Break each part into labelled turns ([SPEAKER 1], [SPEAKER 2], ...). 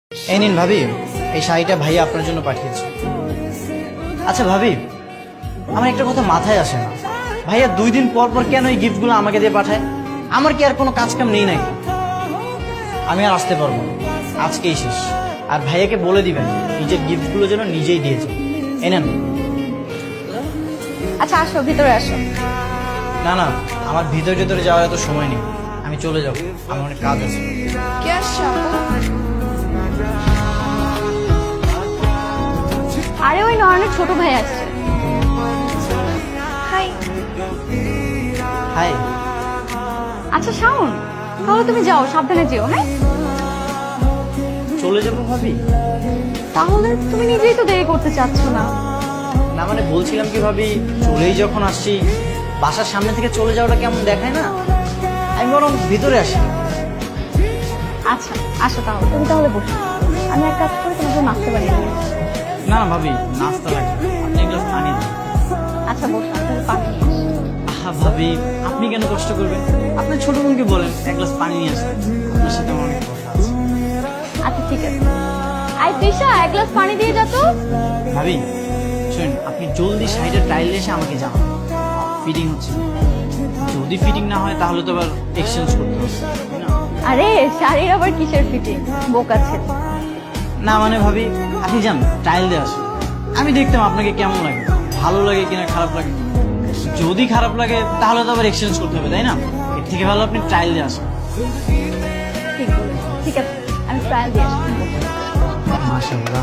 [SPEAKER 1] এই নিন ভাবি, এই শাড়িটা ভাইয়া আপনার জন্য পাঠিয়েছে। আচ্ছা ভাবি, আমার একটা কথা মাথায় আসে না, ভাইয়া 2 দিন পর পর কেন এই গিফটগুলো আমাকে দিয়ে পাঠায়? আমার কি আর কোনো কাজ কাম নেই নাকি? আমি আর আসতে পারবো না, আজকেই শেষ। আর ভাইয়াকে বলে দিবেন নিজের গিফটগুলো যেন নিজেই দিয়েছে। এই নেন।
[SPEAKER 2] আচ্ছা আসো, ভিতরে আসো।
[SPEAKER 1] না না, আমার ভিতরে যাওয়ার এত সময় নেই, আমি চলে যাবো, আমার অনেক কাজ আছে।
[SPEAKER 2] কে আসছো আপু? আরে ওই নয়নের ছোট ভাই আসছে। হাই।
[SPEAKER 1] হাই।
[SPEAKER 2] আচ্ছা শাওন, তাহলে তুমি যাও, সাবধানে যেও। হ্যাঁ,
[SPEAKER 1] চলে যাবো ভাবি?
[SPEAKER 2] তাহলে তুমি নিজেই তো দেরি করতে চাচ্ছ না।
[SPEAKER 1] না মানে বলছিলাম কি ভাবি, চলেই যখন আসছি, বাসার সামনে থেকে চলে যাওয়াটা কেমন দেখায় না? আমি বরং ভিতরে আসি।
[SPEAKER 2] আচ্ছা আসো, তাহলে তুমি তাহলে বসো, আমি এক কাজ করে তোমাকে নাচতে পারি।
[SPEAKER 1] না না ভাবি, নাস্তা লাগবে, আপনি এক গ্লাস পানি দিন।
[SPEAKER 2] আচ্ছা বসো, আমি তাহলে পানি নিয়ে আসি।
[SPEAKER 1] আহা ভাবি, আপনি কেন কষ্ট করবেন? আপনার ছোট বোনকে বলেন এক গ্লাস পানি নিয়ে আসতে, আপনার সাথে আমার অনেক কথা আছে।
[SPEAKER 2] আচ্ছা ঠিক আছে। আই তৃষা, এক গ্লাস পানি দিয়ে যা তো।
[SPEAKER 1] ভাবি শুনুন, আপনি জলদি শাড়িটা ট্রায়াল এসে আমাকে জানান, ফিটিং হচ্ছে না। যদি ফিটিং না হয় তাহলে তো আবার এক্সচেঞ্জ করতে হবে, তাই না?
[SPEAKER 2] আরে শাড়ির আবার কিসের ফিটিং, বোকা ছেলে।
[SPEAKER 1] না মানে ভাবি, আপনি যান ট্রায়াল দিয়ে আসুন, আমি দেখতাম আপনাকে কেমন লাগে, ভালো লাগে কিনা খারাপ লাগে। যদি খারাপ লাগে তাহলে তো আবার এক্সচেঞ্জ করতে হবে, তাই না? এর থেকে ভালো আপনি ট্রায়াল দিয়ে আসুন।
[SPEAKER 2] ঠিক বলেছো। ঠিক আছে, আমি ট্রায়াল দিয়ে আসি।
[SPEAKER 1] মাশাআল্লাহ,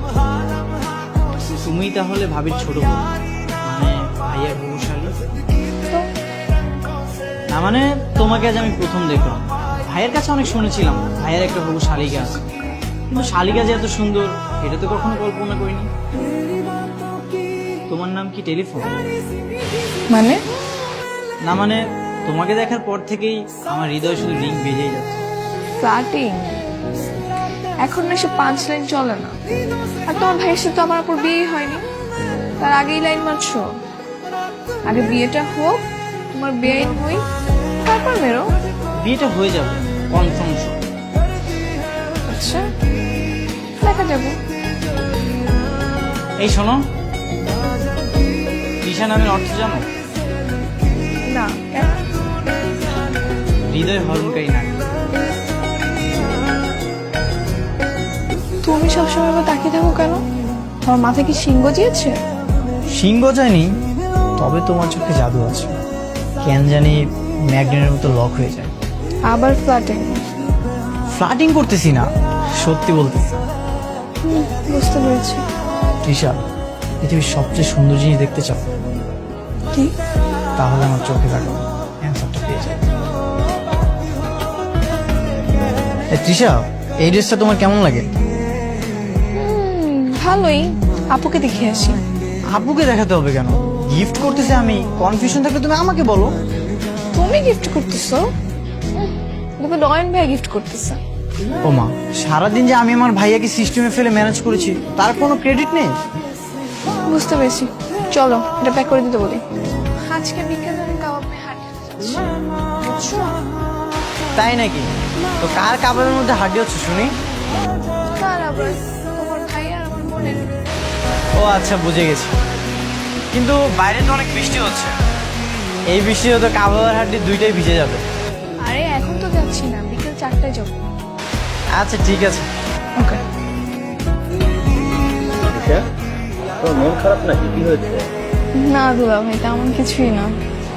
[SPEAKER 1] তুমি তাহলে ভাবির ছোট বোন, মানে ভাইয়ার বউশালী?
[SPEAKER 2] তো
[SPEAKER 1] না মানে তোমাকে আজ আমি প্রথম দেখলাম, ভাইয়ের কাছে অনেক শুনেছিলাম ভাইয়ের একটা হবু শালিকা আছে, কিন্তু শালিকা যে এত সুন্দর এটা তো কখনো কল্পনা করিনি। তোমার নাম কি টেলিফোন?
[SPEAKER 3] মানে
[SPEAKER 1] না মানে তোমাকে দেখার পর থেকেই আমার হৃদয় শুধু রিং বেজেই যাচ্ছে।
[SPEAKER 3] ফ্লাটিং এখন না সে 5 লাইন চলে না। আর তোমার ভাইয়ের সাথে তো আমার উপর বিয়ে হয়নি, তার আগেই লাইন মারছো। আগে বিয়েটা হোক, তোমার বেআইন হই, তারপর মেরো।
[SPEAKER 1] বিয়েটা হয়ে যাবে কনফার্ম।
[SPEAKER 3] আচ্ছা দেখা যাবো।
[SPEAKER 1] এই শোনো, তৃষা নামের অর্থ জানো?
[SPEAKER 3] না কেন?
[SPEAKER 1] হৃদয় হরণকারী নারী।
[SPEAKER 3] তুমি সবসময় আমার তাকিয়ে থাকো কেন? তোমার মাথায় কি সিংহ গজিয়েছে?
[SPEAKER 1] সিংহ যায়নি, তবে তোমার চোখে জাদু আছে, কেন জানি ম্যাগনেটের মতো লক হয়ে যায়।
[SPEAKER 3] আবার ফ্লাটিং?
[SPEAKER 1] ফ্লার্টিং করতেছি না, সত্যি বলতেছি।
[SPEAKER 3] বুঝতে পেরেছি।
[SPEAKER 1] তৃষা, পৃথিবীর সবচেয়ে সুন্দর জিনিস দেখতে চাও?
[SPEAKER 3] কি?
[SPEAKER 1] তাহলে আমার চোখে তাকাও, অ্যান্সারটা পেয়ে যাবে। তৃষা, এই ড্রেসটা তোমার কেমন লাগে?
[SPEAKER 3] ভালোই। আপুকে দেখে আসি।
[SPEAKER 1] আপুকে দেখাতে হবে কেন? গিফট করতেছে আমি, কনফিউশন থাকলে তুমি আমাকে বলো।
[SPEAKER 3] তুমি গিফট করতেছো? দেখো নয়ন ভাই গিফট করতেছে।
[SPEAKER 1] ও মা, সারাদিন যে আমি আমার ভাইয়াকে সিস্টেমে ফেলে ম্যানেজ করেছি তার কোনো ক্রেডিট নেই?
[SPEAKER 3] বুঝতে পেরেছি, চলো এটা প্যাক করে দিতে বলি। আজকে বিকেলে আমি কাবাব মেয়ে হাঁটতে যাচ্ছি।
[SPEAKER 1] তাই নাকি? তো কার কাবাবের মধ্যে হাড্ডি হচ্ছে শুনি?
[SPEAKER 3] কার আবার? তোমার ভাই আর আমার বোনের।
[SPEAKER 1] ও আচ্ছা, বুঝে গেছি। কিন্তু বাইরে তো অনেক বৃষ্টি হচ্ছে, এই বৃষ্টিতে তো কাবাব আর হাড্ডি দুইটাই ভিজে যাবে।
[SPEAKER 3] আরে এখন তো যাচ্ছি না, বিকেল 4টায় যাবো।
[SPEAKER 1] আচ্ছা ঠিক আছে।
[SPEAKER 3] ওকে।
[SPEAKER 4] তোর মন খারাপ নাকি? কি হয়েছে?
[SPEAKER 3] না দুলা ভাই, তেমন কিছুই না।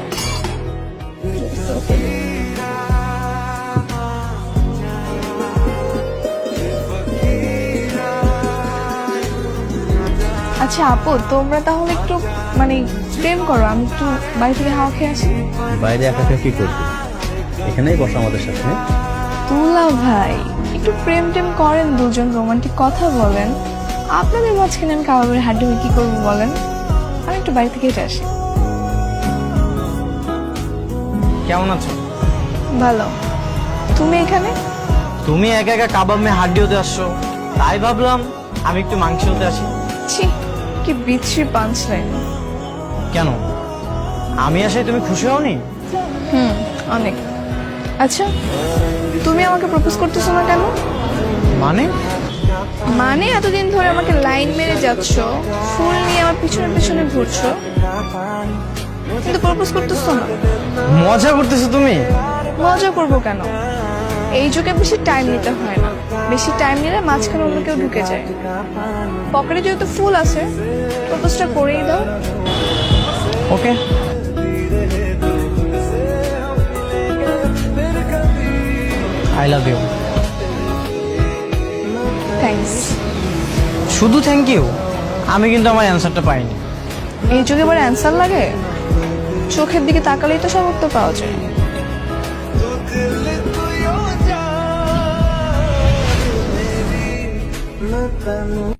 [SPEAKER 3] আচ্ছা আপু, তোমরা তাহলে একটু মানে প্রেম করো, আমি একটু বাড়ি থেকে হাওয়া খেয়ে আসি।
[SPEAKER 4] বাইরে একা একা কি করবি? এখানেই বসো আমাদের সাথে।
[SPEAKER 3] দুলা ভাই একটু প্রেম টেম করেন, দুজন রোমান্টিক কথা বলেন। আপনাদের মাঝখানে আমি কাবাবের হাড্ডি হয়ে কি করবো বলেন? আমি একটু বাড়ি থেকে হেঁটে আসি।
[SPEAKER 1] কেমন আছো?
[SPEAKER 3] ভালো। তুমি এখানে?
[SPEAKER 1] তুমি একা একা কাবাব মে হাড্ডি হতে আসছো, তাই ভাবলাম আমি একটু মাংস হতে আসি।
[SPEAKER 3] ছি, কি বিচ্ছিরি পাঞ্চ লাইন।
[SPEAKER 1] কেন, আমি আসায় তুমি খুশি হওনি?
[SPEAKER 3] অনেক। আচ্ছা তুমি আমাকে প্রপোজ করতেছো না কেন?
[SPEAKER 1] মানে
[SPEAKER 3] মানে এতদিন ধরে আমাকে লাইন মেরে যাচ্ছ, ফুল নিয়ে আমার পিছনে পিছনে ঘুরছো, কিন্তু প্রপোজ করতেছো না।
[SPEAKER 1] মজা করতেছো তুমি?
[SPEAKER 3] মজা করবো কেন? এই যুগে বেশি টাইম নিতে হয় না, বেশি টাইম নিলে মাঝখানে অন্য কেউ ঢুকে যায়। পকেটে যেহেতু ফুল আছে, প্রপোজটা করেই দাও।
[SPEAKER 1] Okay, I love you.
[SPEAKER 3] Thanks.
[SPEAKER 1] শুধু থ্যাংক ইউ? আমি কিন্তু আমার অ্যান্সারটা পাইনি।
[SPEAKER 3] এই যুগে আবার অ্যান্সার লাগে? চোখের দিকে তাকালেই তো সব উত্তর পাওয়া যায়।